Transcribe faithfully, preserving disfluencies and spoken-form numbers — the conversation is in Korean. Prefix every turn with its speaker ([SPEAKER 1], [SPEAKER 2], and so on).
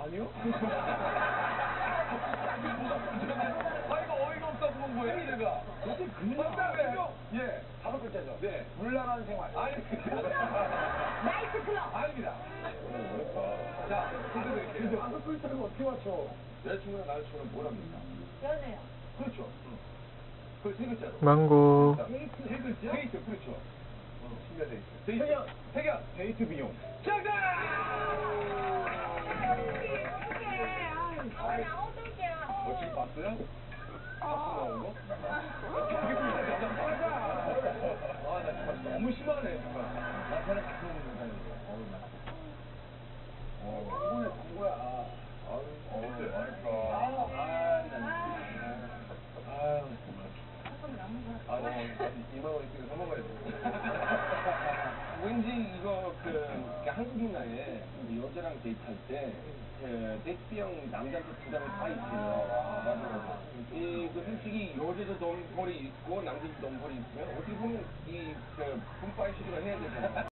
[SPEAKER 1] 아니요? 아, 이거 어이가 없어 보는 거예요, 내가.
[SPEAKER 2] 도대체 그냥.
[SPEAKER 1] 예.
[SPEAKER 2] 다섯 글자죠?
[SPEAKER 1] 네.
[SPEAKER 2] 물란한 생활.
[SPEAKER 1] 아닙니다.
[SPEAKER 3] 나이트 클럽.
[SPEAKER 1] 아닙니다. 어렵다. 자, 힌트 드릴게요.
[SPEAKER 2] 다섯 글자를 어떻게 맞춰?
[SPEAKER 1] 여자친구랑 남자친구는 뭘 합니까?
[SPEAKER 3] 연애요.
[SPEAKER 1] 그렇죠. 그세 글자로.
[SPEAKER 4] 망고.
[SPEAKER 1] 데이트. 세 글자? 데이트, 그렇죠. 신뢰 데이트. 데이트.
[SPEAKER 2] 태견.
[SPEAKER 1] 태견.
[SPEAKER 2] 데이트 비용.
[SPEAKER 1] 정답!
[SPEAKER 3] 어떡해. 나 어떡해.
[SPEAKER 1] 어, 지금 봤어요? 박수 나온 거? 되게 불쌍해. 맞아. 아, 나 정말 너무 심하네, 정말.
[SPEAKER 2] 나한테는 같은 문제인데. 어우, 나. 어, 이번에 본 거야.
[SPEAKER 1] 아유, 어때? 그러니까.
[SPEAKER 2] 아, 나.
[SPEAKER 1] 아유, 정말. 아, 나 이만 원 있으니까 사 먹어야 돼.
[SPEAKER 5] 왠지 이거 그, 그 한국 문화에 여자랑 데이트할 때 그, 데이트형 남자한테 부담을 다 있어요. 맞아, 맞아. 이, 그 솔직히 여자도 덩벌이 있고 남자도 덩벌이 있으면 어떻게 보면 이, 그, 분파의 시도를 해야 되잖아요.